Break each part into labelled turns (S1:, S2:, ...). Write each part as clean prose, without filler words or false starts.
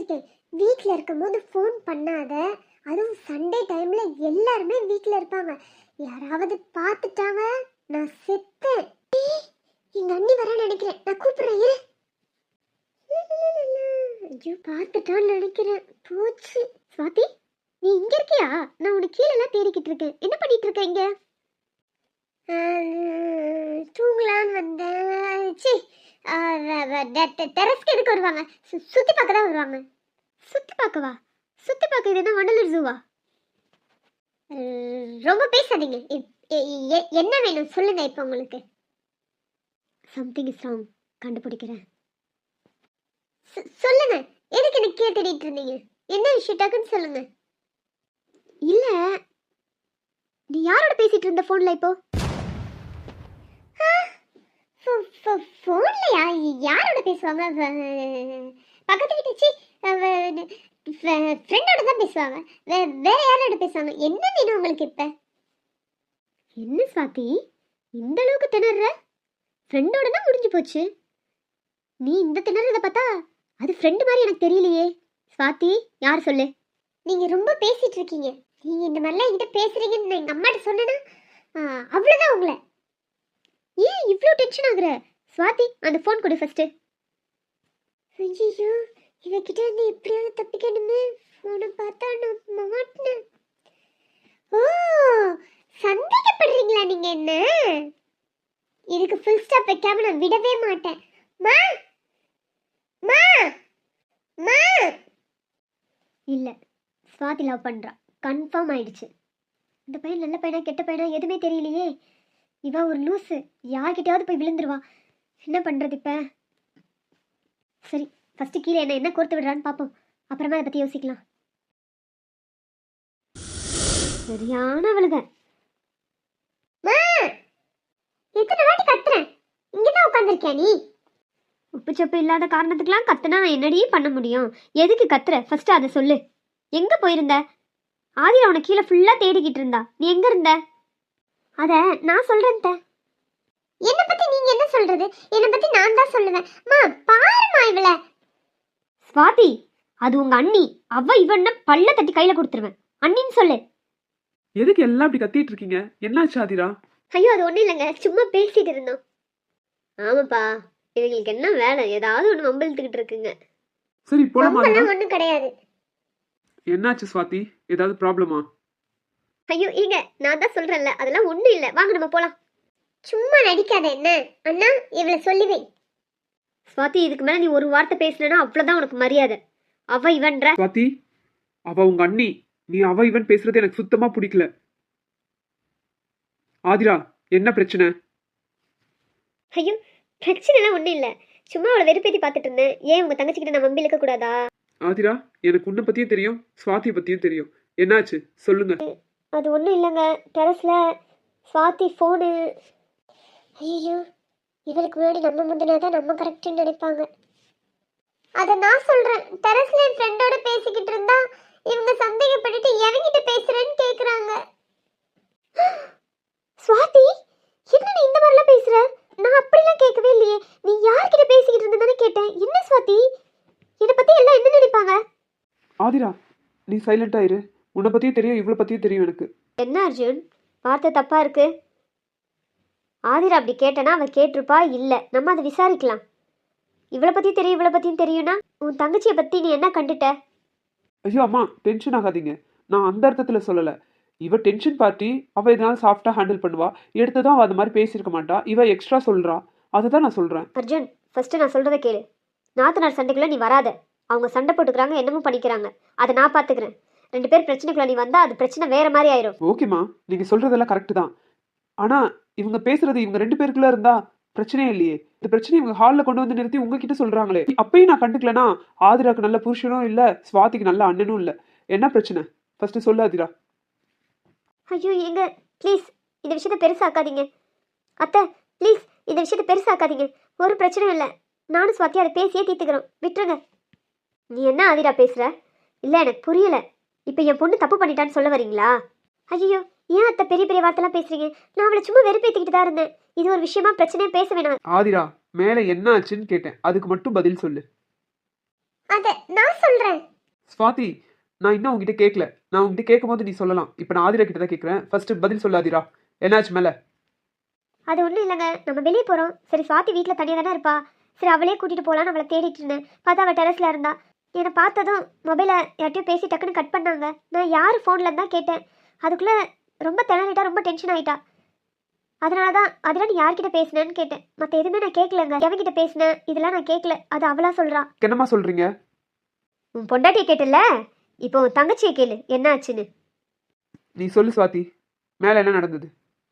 S1: சொல்லிட்டேன், வீட்டில் இருக்கும்போது ஃபோன் பண்ணாத. அதுவும் சண்டே டைம்ல எல்லாருமே வீட்டில் இருப்பாங்க. யாராவது பார்த்துட்டாங்க நான் செத்தேன். எங்க அண்ணி வர நினைக்கிறேன், நான் கூப்பிடுறேன் இரு. ஐயோ பார்த்துட்டான்னு நினைக்கிறேன். போச்சு. ஸ்வாதி, நீ இங்க இருக்கியா? நான் உனக்கு கீழெல்லாம் தேடிக்கிட்டு இருக்கேன். என்ன பண்ணிட்டு இருக்க இங்க? தூங்கலான்னு வந்தேன். சி, டெரஸ்க்கு எதுக்கு வருவாங்க? சுத்தி பார்க்க தான் வருவாங்க. சுத்தி பார்க்கவா? சுத்தி பார்க்க இது என்ன வண்டலூர் ஜூவா? ரொம்ப பேசாதீங்க. என்ன வேணும் சொல்லுங்க. இப்போ உங்களுக்கு சம்திங் இஸ் ராங். கண்டுபிடிக்கிறேன். சொல்லுங்க. எதுக்கு எனக்கு கேட்டுட்டு இருந்தீங்க? என்ன விஷயம் டக்குன்னு சொல்லுங்க. இல்ல, நீ யாரோட பேசிட்டு இருந்த போன்ல இப்போ? போன்லயா? யாரோட பேசுவாங்க? பக்கத்து வீட்டு சி ஃப்ரெண்டோட தான் பேசுவாங்க. வேற யாரோட பேசுவாங்க? என்ன வேணும் உங்களுக்கு இப்ப? என்ன ஸ்வாதி இந்த அளவுக்கு திணற? ஃப்ரெண்டோடனா முடிஞ்சு போச்சு. நீ இந்த திணறத பார்த்தா அது ஃப்ரெண்ட் மாதிரி எனக்கு தெரியலையே. ஸ்வாதி, யார் சொல்லு? நீங்க ரொம்ப பேசிட்டு இருக்கீங்க. நீங்க இந்த மாதிரிலாம் என்கிட்ட பேசுறீங்கன்னு நான் எங்க அம்மாட்ட சொன்னேன்னா அவ்வளவுதான் உங்களை. ஏன் இவ்வளோ டென்ஷன் ஆகுற? ஸ்வாதி, அந்த ஃபோன் கொடு ஃபர்ஸ்ட். ஐயோ, இவகிட்ட இருந்து எப்படியாவது தப்பிக்கணுமே. ஃபோனை பார்த்தா நான் மாட்டினேன். ஓ, சந்தேகப்படுறீங்களா நீங்க என்ன? இதுக்கு ஃபுல் ஸ்டாப் வைக்காம நான் விடவே மாட்டேன். மா மா மா. இல்ல, ஸ்வாதி லவ் பண்றா. கன்ஃபார்ம் ஆயிடுச்சு. இந்த பையன் நல்ல பையனா கெட்ட பையனா எதுவுமே தெரியலையே. இவ ஒரு லூசு, யார்கிட்டயாவது போய் விழுந்துருவா. என்ன பண்றது இப்ப? சரி, ஃபர்ஸ்ட் கீழே என்ன கோர்த்து விடுறான்னு பார்ப்போம். அப்புறமா அதை பத்தி யோசிக்கலாம். சரியான அவளுக. எத்தனை வாட்டி கத்துறேன், இங்கதான் உட்காந்துருக்கியா நீ? உப்பு சப்பு இல்லாத காரணத்துக்குலாம் கத்துனா நான் என்னடி பண்ண முடியும்? எதுக்கு கத்துற? ஃபர்ஸ்ட் அதை சொல்லு. எங்க போயிருந்த? ஆதிரா அவனை கீழே ஃபுல்லா தேடிக்கிட்டு இருந்தா. நீ எங்க இருந்த? அத நான் சொல்றேன். என்ன பத்தி நீங்க என்ன சொல்றது? என்ன பத்தி நான் தான் சொல்லுவேன். மா பாருமா இவள. ஸ்வாதி, அது உங்க அண்ணி. அவ இவன பல்ல தட்டி கையில கொடுத்துருவேன். அண்ணின்னு சொல்லு.
S2: எதுக்கு எல்லாம் இப்படி கத்திட்டு இருக்கீங்க? என்னாச்சு ஆதிரா?
S1: ஐயோ, அது ஒண்ணும் இல்லைங்க, சும்மா பேசிட்டு இருந்தோம். ஆமாப்பா, இவங்களுக்கு என்ன வேலை? ஏதாவது ஒண்ணு வம்பிழுத்துக்கிட்டு இருக்குங்க.
S2: சரி போலாமா?
S1: ஒண்ணும் கிடையாது.
S2: என்னாச்சு ஸ்வாதி? ஏதாவது ப்ராப்ளமா?
S1: ஐயோ ஏங்க, நான் தான் சொல்றேன்ல, அதெல்லாம் ஒண்ணும் இல்ல. வாங்க நம்ம போலாம். சும்மா நடிக்காத என்ன? அண்ணா, இவளை சொல்லுவே. ஸ்வாதி, இதுக்கு மேல நீ ஒரு வார்த்தை பேசலனா அவ்வளவுதான் உனக்கு மரியாதை. அவ இவன்ற.
S2: ஸ்வாதி, அவ உங்க அண்ணி. நீ அவ இவன் பேசுறது எனக்கு சுத்தமா பிடிக்கல. ஆதிரா, என்ன பிரச்சனை?
S1: ஐயோ, பிரச்சனைலாம் ஒண்ணும் இல்ல. சும்மா அவளை வெறுப்பேத்தி பார்த்துட்டு இருந்தேன். ஏன் உங்க தங்கச்சிக்கிட்ட நான் வம்பி இழுக்க கூடாதா?
S2: ஆதிரா, எனக்கு உன்னை பத்தியும் தெரியும், ஸ்வாதி பத்தியும் தெரியும். என்னாச்சு சொல்லுங்க.
S1: அது ஒன்றும் இல்லைங்க, டெரஸ்ல ஸ்வாதி ஃபோனு. ஐயோ, இவளுக்கு முன்னாடி நம்ம முந்தினாதான் நம்ம கரெக்டுன்னு நினைப்பாங்க. அதை நான் சொல்றேன். டெரஸ்ல என் ஃப்ரெண்டோட பேசிக்கிட்டு இருந்தா இவங்க சந்தேகப்பட்டுட்டு எவங்கிட்ட பேசுறேன்னு கேக்குறாங்க. ஸ்வாதி, என்ன நீ இந்த மாதிரிலாம் பேசுற? நான் அப்படிலாம் கேட்கவே இல்லையே. நீ யார்கிட்ட பேசிக்கிட்டு இருந்ததானே கேட்டேன். என்ன ஸ்வாதி, என்னை பத்தி எல்லாம் என்ன நினைப்பாங்க?
S2: ஆதிரா, நீ சைலண்டா இரு. உன்னை பத்தியும் தெரியும், இவ்வளவு பத்தியும் தெரியும் எனக்கு.
S1: என்ன அர்ஜுன், வார்த்தை தப்பா இருக்கு. ஆதிரா அப்படி கேட்டனா அவ கேட்டிருப்பா. இல்ல, நம்ம அதை விசாரிக்கலாம். இவளை பத்தி தெரியும், இவளை பத்தியும் தெரியும்னா உன் தங்கச்சியை பத்தி நீ என்ன கண்டுட்ட?
S2: ஐயோ அம்மா, டென்ஷன் ஆகாதீங்க. நான் அந்த அர்த்தத்துல சொல்லல. இவ டென்ஷன் பார்ட்டி. அவ இதனால சாஃப்டா ஹேண்டில் பண்ணுவா. எடுத்ததும் அவ அது மாதிரி பேசியிருக்க மாட்டா. இவ எக்ஸ்ட்ரா சொல்றா. அதை தான் நான் சொல்றேன்.
S1: அர்ஜுன், ஃபர்ஸ்ட் நான் சொல்றதை கேளு. நாத்தனார் சண்டைக்குள்ள நீ வராத. அவங்க சண்டை போட்டுக்கிறாங்க, என்னமோ பண்ணிக்கிறாங்க. அதை நான் பாத்துக்கிறேன். 2 பேர் பிரச்சனைக்குள்ள நீ வந்தா அது பிரச்சனை வேற மாதிரி ஆயிரும்.
S2: ஓகேம்மா, நீங்க சொல்றதெல்லாம் கரெக்ட் தான். ஆனா இவங்க பேசுறது இவங்க 2 பேருக்குள்ள இருந்தா பிரச்சனையே இல்லையே. இந்த பிரச்சனை இவங்க ஹாலில் கொண்டு வந்து நிறுத்தி உங்ககிட்ட சொல்றாங்களே. அப்பயும் நான் கண்டுக்கலனா ஆதிராக்கு நல்ல புருஷனும் இல்ல, ஸ்வாதிக்கு நல்ல அண்ணனும் இல்ல. என்ன பிரச்சனை ஃபர்ஸ்ட் சொல்லு ஆதிரா.
S1: ஐயோ எங்க, ப்ளீஸ் இந்த விஷயத்த பெருசாக்காதீங்க. அத்தை, ப்ளீஸ் இந்த விஷயத்த பெருசாக்காதீங்க. ஒரு பிரச்சனையும் இல்லை. நானும் ஸ்வாதி அதை பேசியே தீர்த்துக்கிறோம். விட்டுருங்க. நீ என்ன ஆதிரா பேசுற? இல்லை, எனக்கு புரியல. இப்போ என் பொண்ணு தப்பு பண்ணிட்டான்னு சொல்ல வரீங்களா? ஐயோ, ஏன் அத்தை பெரிய பெரிய வார்த்தைலாம் பேசுறீங்க? நான் அவளை சும்மா வெறுப்பேற்றிக்கிட்டு தான் இருந்தேன். இது ஒரு விஷயமா பிரச்சனையே பேச வேணாம்.
S2: ஆதிரா, மேல என்ன ஆச்சுன்னு கேட்டேன், அதுக்கு மட்டும் பதில் சொல்லு.
S1: அத நான் சொல்றேன்.
S2: ஸ்வாதி, நான் இன்னும் உங்ககிட்ட கேட்கல. நான் உங்ககிட்ட கேட்கும்போது நீ சொல்லலாம். இப்போ நான் ஆதிரா கிட்ட தான் கேட்குறேன். ஃபர்ஸ்ட் பதில் சொல்லு ஆதிரா. என்னாச்சு மேலே?
S1: அது ஒன்றும் இல்லைங்க, நம்ம வெளியே போகிறோம். சரி சுவாதி வீட்டில் தனியாக தானே இருப்பா, சரி அவளே கூட்டிகிட்டு போகலான்னு அவளை தேடிட்டு இருந்தேன். பார்த்தா அவள் டெரஸில் இருந்தா. என்னை பார்த்ததும் மொபைலை யார்ட்டையும் பேசி டக்குன்னு கட் பண்ணாங்க. நான் யார் ஃபோனில் தான் கேட்டேன். அதுக்குள்ளே ரொம்ப திணறிட்டா, ரொம்ப டென்ஷன் ஆகிட்டா. அதனால தான் அதெல்லாம் நீ யார்கிட்ட பேசினேன்னு கேட்டேன். மற்ற எதுவுமே நான் கேட்கலங்க. எவன்கிட்ட பேசினேன் இதெல்லாம் நான் கேட்கல. அது அவளா சொல்கிறா.
S2: என்னம்மா சொல்கிறீங்க?
S1: உன் பொண்டாட்டியை கேட்டல, இப்போ உன் தங்கச்சியை கேளு என்ன ஆச்சுன்னு.
S2: நீ சொல்லு ஸ்வாதி, மேலே என்ன நடந்தது?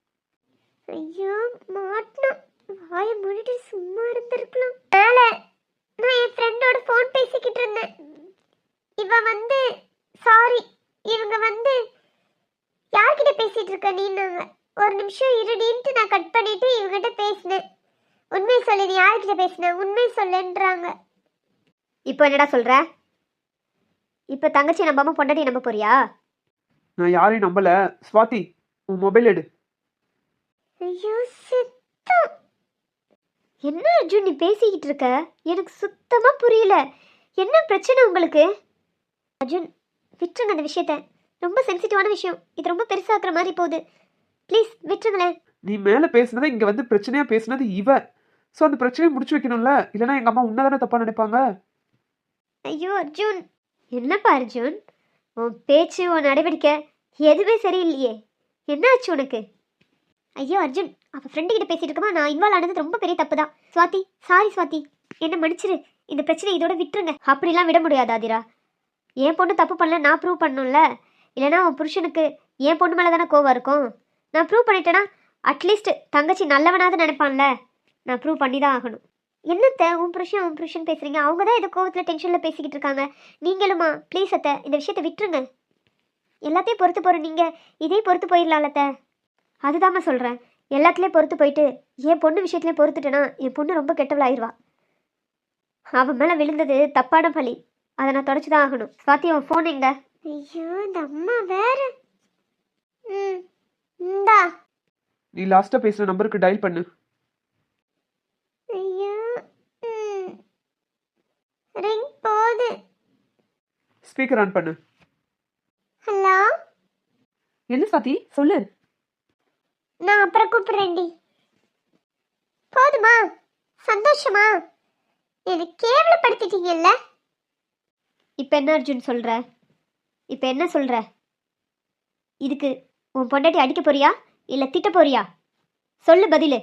S1: ஐயோ மாட்டினா, வாயை மூடிட்டு சும்மா இருந்திருக்கலாம். மேலே நான் என் ஃப்ரெண்டோட ஃபோன் பேசிக்கிட்டு இருந்தேன். இவ வந்து சாரி, இவங்க வந்து யார்கிட்ட பேசிட்டு இருக்க நீன்னாங்க. ஒரு நிமிஷம் இருடின்ட்டு நான் கட் பண்ணிட்டு இவங்கிட்ட பேசினேன். உண்மை சொல்லு, நீ யார்கிட்ட பேசின, உண்மை சொல்லுன்றாங்க. இப்போ என்னடா சொல்ற? இப்போ தங்கச்சி நம்பாம பொண்டாட்டி நம்ப போறியா?
S2: நான் யாரையும் நம்பல. ஸ்வாதி, உன் மொபைல் எடு.
S1: ஐயோ சித்தம், என்ன அர்ஜுன் நீ பேசிக்கிட்டு இருக்க? எனக்கு சுத்தமா புரியல. என்ன பிரச்சனை உங்களுக்கு? அர்ஜுன் விட்டுருங்க அந்த விஷயத்த. ரொம்ப சென்சிட்டிவான விஷயம். இது ரொம்ப பெருசாக்குற மாதிரி போகுது. ப்ளீஸ் விட்டுருங்களேன்.
S2: நீ மேலே பேசுனதை இங்கே வந்து பிரச்சனையாக பேசுனது இவ. ஸோ அந்த பிரச்சனையை முடிச்சு வைக்கணும்ல, இல்லைனா எங்கள் அம்மா உன்னதானே தப்பாக நினைப்பாங்க.
S1: ஐயோ அர்ஜுன், என்னப்பா அர்ஜுன், உன் பேச்சு உன் நடவடிக்கை எதுவுமே சரியில்லையே. என்ன ஆச்சு உனக்கு? ஐயோ அர்ஜுன், அவள் ஃப்ரெண்டு கிட்ட பேசிட்டு இருக்கமா, நான் இன்வால்வ் ஆனது ரொம்ப பெரிய தப்பு தான். ஸ்வாதி, சாரி ஸ்வாதி, என்ன மன்னிச்சிரு. இந்த பிரச்சனை இதோட விட்டுருங்க. அப்படிலாம் விட முடியாது ஆதிரா. என் பொண்ணு தப்பு பண்ணல, நான் ப்ரூவ் பண்ணணும்ல. இல்லைனா உன் புருஷனுக்கு என் பொண்ணு மேலே தானே கோவம் இருக்கும். நான் ப்ரூவ் பண்ணிட்டேன்னா அட்லீஸ்ட் தங்கச்சி நல்லவனாவது நினைப்பான்ல. நான் ப்ரூவ் பண்ணி தான் ஆகணும். என்னத்த உன் புருஷன் பேசுறீங்க? அவங்க தான் ஏதோ கோவத்தில் டென்ஷனில் பேசிக்கிட்டு இருக்காங்க. நீங்களுமா? ப்ளீஸ் அத்தை, இந்த விஷயத்தை விட்டுருங்க. எல்லாத்தையும் பொறுத்து போகிற நீங்கள் இதே பொறுத்து போயிடலாம்லத்த. அதுதாம்மா சொல்கிறேன். எல்லாத்துலேயும் பொறுத்து போயிட்டு என் பொண்ணு விஷயத்துலேயும் பொறுத்துட்டேன்னா என் பொண்ணு ரொம்ப கெட்டவளாயிருவா. அவன் மேலே விழுந்தது தப்பான பழி. அதை நான் தொடச்சி தான் ஆகணும். ஸ்வாதி, அவன் ஃபோன் எங்க? ஐயோ இந்த அம்மா வேற. இந்தா.
S2: நீ லாஸ்ட்டாக பேசுகிற நம்பருக்கு டயல் பண்ணு.
S1: ஐயோ ரிங் போகுது.
S2: ஸ்பீக்கர் ஆன் பண்ணு.
S1: ஹலோ.
S3: என்ன சாத்தி சொல்லு.
S1: நான் அப்புறம் கூப்பிடுறேன்டி. போதுமா? சந்தோஷமா? எனக்கு கேவலப்படுத்திட்டீங்கல்ல. இப்போ என்ன அர்ஜுன் சொல்ற? இப்போ என்ன சொல்ற? இதுக்கு உன் பொண்டாட்டி அடிக்க போறியா இல்ல திட்ட போறியா? சொல்லு பதிலு.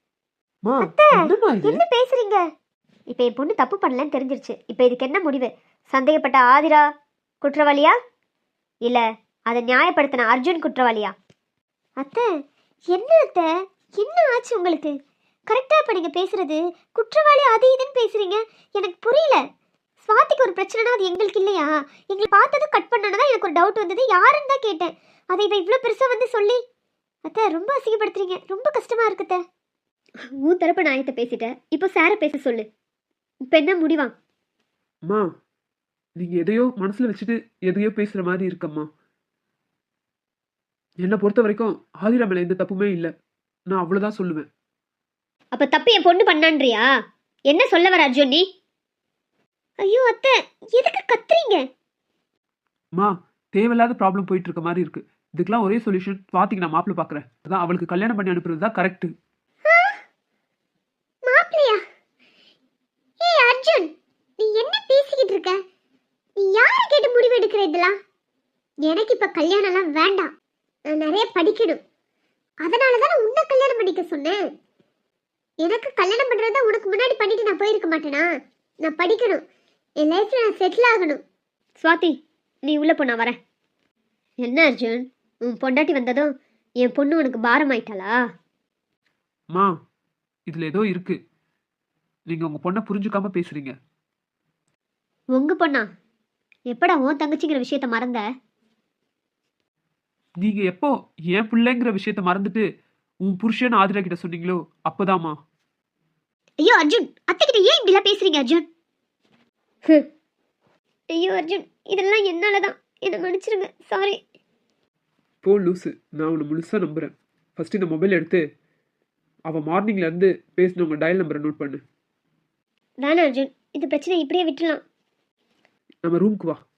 S1: என்ன பேசுறீங்க? இப்போ என் பொண்ணு தப்பு பண்ணலன்னு தெரிஞ்சிருச்சு. இப்போ இதுக்கு என்ன முடிவு? சந்தேகப்பட்ட ஆதிரா குற்றவாளியா இல்ல அதை நியாயப்படுத்தின அர்ஜுன் குற்றவாளியா? அத்தை என்ன அத்தை, என்ன ஆச்சு உங்களுக்கு? கரெக்டாக இப்போ நீங்கள் பேசுறது குற்றவாளி அது இதுன்னு பேசுறீங்க. எனக்கு புரியல. ஸ்வாதிக்கு ஒரு பிரச்சனைனா அது எங்களுக்கு இல்லையா? எங்களை பார்த்ததும் கட் பண்ணனதான் எனக்கு ஒரு டவுட் வந்தது. யாருன்னு தான் கேட்டேன். அதை இவ இவ்வளோ பெருசாக வந்து சொல்லி அத்தை ரொம்ப அசிங்கப்படுத்துறீங்க. ரொம்ப கஷ்டமா இருக்குத்த. உன் தரப்பு நாயத்தை பேசிட்டேன், இப்போ சாரை பேச சொல்லு. இப்போ என்ன முடிவா?
S2: அம்மா, நீங்கள் எதையோ மனசில் வச்சுட்டு எதையோ பேசுகிற மாதிரி இருக்கம்மா. என்னை பொறுத்த வரைக்கும் ஆதிரா மேலே எந்த தப்புமே இல்லை. நான் அவ்வளோதான் சொல்லுவேன்.
S1: அப்போ தப்பு என் பொண்ணு பண்ணான்றியா? என்ன சொல்ல வர அர்ஜுன் நீ? ஐயோ அத்தை, எதுக்கு கத்துறீங்க?
S2: அம்மா, தேவையில்லாத ப்ராப்ளம் போயிட்டு இருக்க மாதிரி இருக்கு. இதுக்கெல்லாம் ஒரே சொல்யூஷன், ஸ்வாதிக்கு நான் மாப்பிள்ளை பார்க்குறேன். அதான் அவளுக்கு கல்யாணம் பண்ணி அனுப்புறது தான் கரெக்ட்.
S1: மாப்பிளையா? ஏய் அர்ஜுன், நீ என்ன பேசிக்கிட்டு இருக்க? நீ யாரை கேட்டு முடிவு எடுக்கிற இதெல்லாம்? எனக்கு இப்ப கல்யாணம்லாம் வேண்டாம். நான் நிறைய படிக்கணும். அதனால தான் உன்னை கல்யாணம் பண்ணிக்க சொன்னேன். எனக்கு கல்யாணம் பண்றதா உனக்கு முன்னாடி பண்ணிட்டு நான் போயிருக்க மாட்டேனா? நான் படிக்கணும். என் லைஃப்ல நான் செட்டில் ஆகணும். ஸ்வாதி, நீ உள்ள போ, நான் வரேன். என்ன அர்ஜுன், உன் பொண்டாட்டி வந்ததும் என் பொண்ணு உனக்கு பாரம் ஆயிட்டாளா?
S2: அம்மா, இதில் ஏதோ இருக்கு. நீங்கள் உங்கள் பொண்ணை புரிஞ்சுக்காம பேசுறீங்க.
S1: உங்க பொண்ணா? எப்படா உன் தங்கச்சிங்கிற விஷயத்த மறந்த?
S2: நீங்கள் எப்போ என் பிள்ளைங்கிற விஷயத்த மறந்துட்டு உன் புருஷன் ஆதிரா கிட்ட சொன்னீங்களோ அப்போதாம்மா.
S1: ஐயோ அர்ஜுன், அத்தை கிட்ட ஏன் இப்படிலாம் பேசுறீங்க அர்ஜுன்? ஐயோ அர்ஜுன், இதெல்லாம் என்னாலதான். என்ன மன்னிச்சிருங்க. சாரி.
S2: போ லூசு, நான் உன்னை முழுசாக நம்புகிறேன். ஃபஸ்ட்டு இந்த மொபைல் எடுத்து அவள் மார்னிங்லேருந்து பேசின உங்கள் டயல் நம்பரை நோட் பண்ணு.
S1: வேணாம் அர்ஜுன், இந்த பிரச்சனை இப்படியே விட்டுலாம்.
S2: நம்ம ரூமுக்கு வா